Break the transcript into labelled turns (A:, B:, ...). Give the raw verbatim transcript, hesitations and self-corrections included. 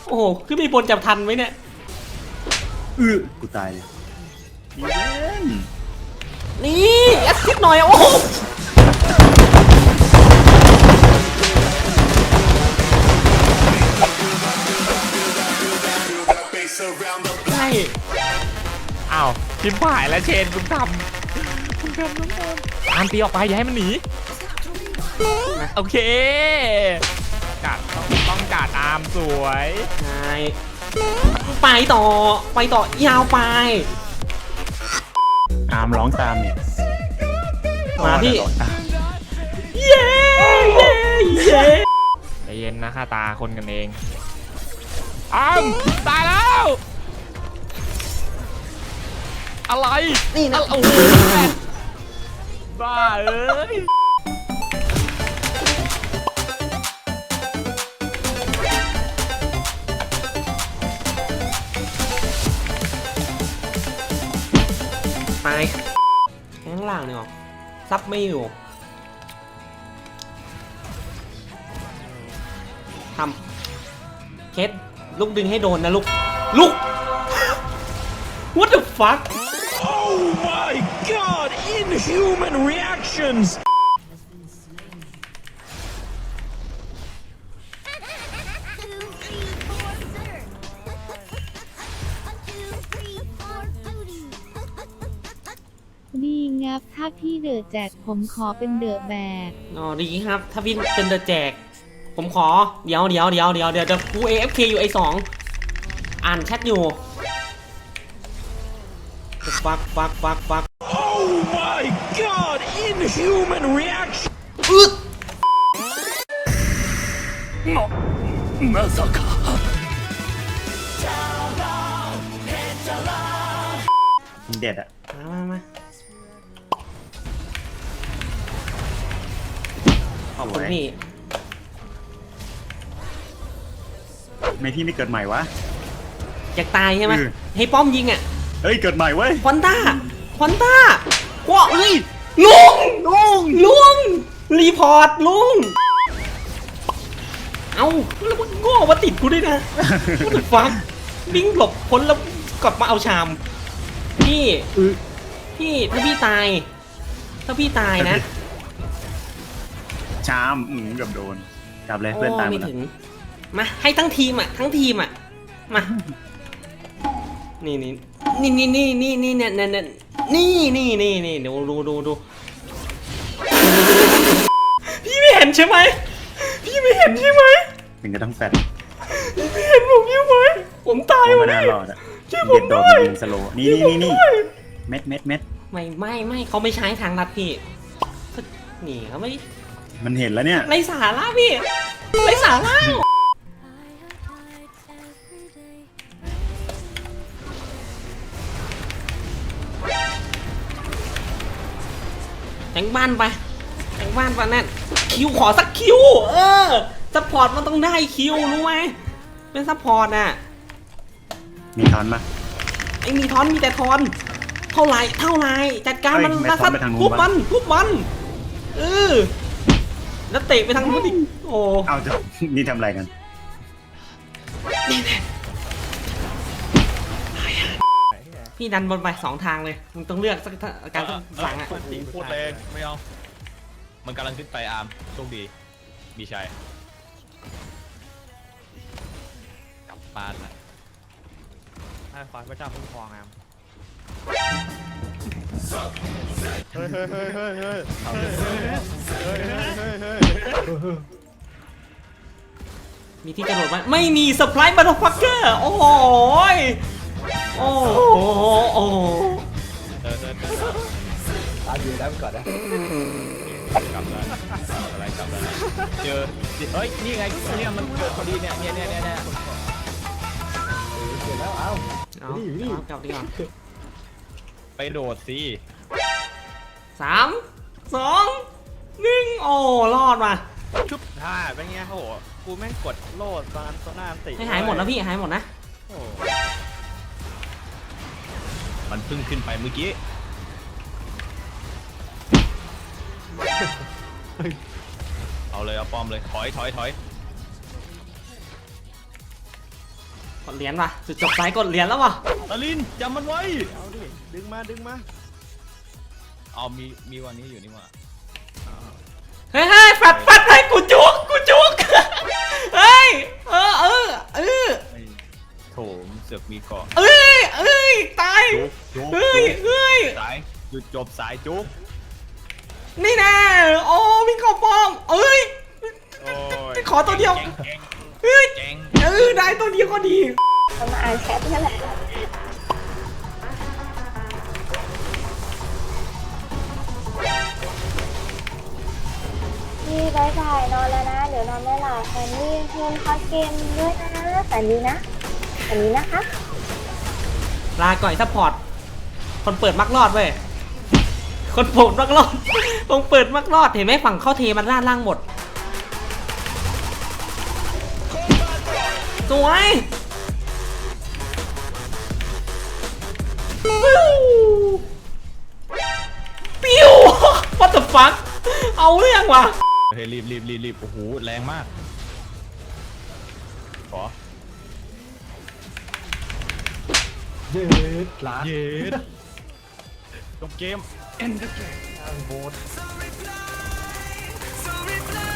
A: โอ้โหขึ้นไปบนจับทันไหมเนี่ย
B: เออกูตายเลยอีเวน
A: นี่แอสซิดหน่อยโอ้โหใช่
C: อ้าวชิมผ่ายแล้วเชนคุณทำคุณทำน้องทำตามตีออกไปอย่าให้มันหนีโอเคกัดต้องต้องกัดตามสวย
A: ใช่ไปต่อไปต่อยาวไป
B: อามร้องตามเนี่ย
A: มาพี่เย้เย้เย้
C: ใจเย็นนะข้าตาคนกันเองอ้ามตายแล้วอะไร
A: นี่นะ
C: โอ้โหบ้าเอ้ย
A: ไปข้างล่างเนี่ยซับไม่อยู่ทำเคสลูกดึงให้โดนนะลูกลูก What the fuck
C: Oh my god inhuman reactions
D: ดีงับถ้าพี่เดอะแจกผมขอเป็นเดอะแบก
A: อ๋อดีครับถ้าพี่เป็นเดอะแจกผมขอเดี๋ยวเดี๋ยวเดี๋ยวเดี๋ยวเดี๋ยวจะกู เอ เอฟ เค อยู่ไอสองอ่านแชทอยู่ฟักฟักฟักฟัก
C: Oh my god inhuman reaction
A: อึด
C: まさか
B: เด็ดอะ
A: มามามาขอบคุณพี่
B: ไม่พี่ไม่เกิดใหม่วะ
A: อยากตายใช่ไหมให้ป้อมยิงอ่ะ
B: เฮ้ยเกิดใหม่เว้ย
A: ฟอนต้าฟอนต้าว้าเฮ้ยลุงลุงลุงรีพอร์ตลุงเอ้าแล้วมันโง่มาติดกูด้วยนะกูถึงฟังวิ่งหลบพ้นแล้วกลับมาเอาชามพี่พี่ถ้าพี่ตายถ้าพี่ตายนะ
B: ชามอืมกับโดนจับเลยเพื่อนตายหมดแล้ว
A: มาให้ทั้งทีมอ่ะทั้งทีมอ่ะมานี่นี่นี่นี่นี่นี่นี่เนี่ยเนี่ยนี่นี่นี่นี่ดูดูดูดูพี่ไม่เห็นใช่ไหมพี่ไม่เห็นใช่ไหม
B: ถึงจะต้องแฟด
A: พี่ไม่เห็นผมยังไหมผมตาย
B: แล้วไม่น่ารอดอ่ะช่วยผมด้วยสโลนี่นี่นี่เม็ดเม็ดเม็ด
A: ไม่ไม่ไม่เขาไม่ใช้ทางลัดพี่นี่เขาไม่
B: มันเห็นแล้วเนี่ย
A: ไรสาระพี่ไรสาระแต่งบ้านไปแต่งบ้านไปนั่นคิวขอสักคิวเออซัพพอร์ตมันต้องได้คิวรู้ไหมเป็นซัพพอร์ตน่ะ
B: มีทอนปะ
A: ไอ้มีทอนมีแต่ทอนเท่าไรเท่าไรจัดการมันนะสัตว์ทุบมันทุบมันเออแล้วเตะไปทางนู้นอีกโอ้
B: เอาจะนี่ทำอะไรกัน
A: พี่ดันบนไปสองทางเลยมึงต้องเลือกสักการสั่งอ่ะ
C: พูดแรงไม่เอามันกำลังขึ้นไปอาร์มโชคดีบีชัยกลับบ้านละให้ควายพระเจ้าคุ้มครองอาร์มเฮ้ยเฮ้ยเฮ้ยเฮ้ยเฮ้ยเฮ้ยเฮ้ยเฮ้ย
A: มีที่กระโดดไหมไม่มีเซอร์ไพรส์บัตเตอร์ฟักเกอร์โอ้โหโอ้โหโอ้โห
E: ตาอยู่ได้ก่อนนะ
C: กลับแล้วอะไรกลับแล้วเจอเฮ้ยนี่ไงเนี่ยมันเกิดพอดีเนี่ยเนี่ยเนี่ยเนี่ย
E: เสร็จแล้วเอา
A: เอากลับดีกว่า
C: ไปโดดสิ
A: สามสองหนึ่งโอ้รอดมา
C: ชุบท่าเป็นไงโหกูแม่งกดโลดตอนโซน่าติ
A: ให้หายหมดนะพี่หายหมดนะ
C: มันพึ่งขึ้นไปเมื่อกี้เอาเลยเอาป้อมเลยถอยถอยถอย
A: กดเหรียญว่ะจุดจบสายกดเหรียญแล้วว่ะ
E: ตาลินจำมันไว้เอาดิดึงมาดึงมาเอามีมีวันนี้อยู่นี่หว่า
A: เฮ้ยเฮ้ยแฟดแฟดให้กูจุกกูจุกเฮ้ยเออเออเออ
E: ไอ้โถมเสือกมีเกาะ
A: เอ้ยเอ้ยตาย
E: จุกจุก
A: เฮ้ย
E: จุก
A: เฮ้ย
E: สายหยุดจบสายจุก
A: นี่แน่โอ้วิ่งเข้าป้อมเอ้ย
E: โอ้ย
A: ขอตัวเดียว
E: แกงแกง
A: เฮ้ย
E: แกง
A: เออได้ตัวเดียวก็ดี
F: เรามาอ่านแชทนี่แหละพี่บายบายนอนแล้วนะ เดี๋ยวนอนไม่หลับแฟนนี่เล่นคอร์สเกมด้วยนะแฟนนี้นะแฟนนี้นะคะ
A: ลาก่อยซัพพอร์ตคนเปิดมักรอดเว้ยคนเปิดมักรอดคนเปิดมักรอดเห็นไหมฝั่งเข้าเทมันด้านล่างหมดสวยปิ้วปิ้ว what the fuck เอาเรื่องว่ะ
E: เฮ้ยรีบรีบรีบรีบโอ้โหแรงมากขอ
B: เย็ดลาด
E: เย็ดจบเกม
B: โบด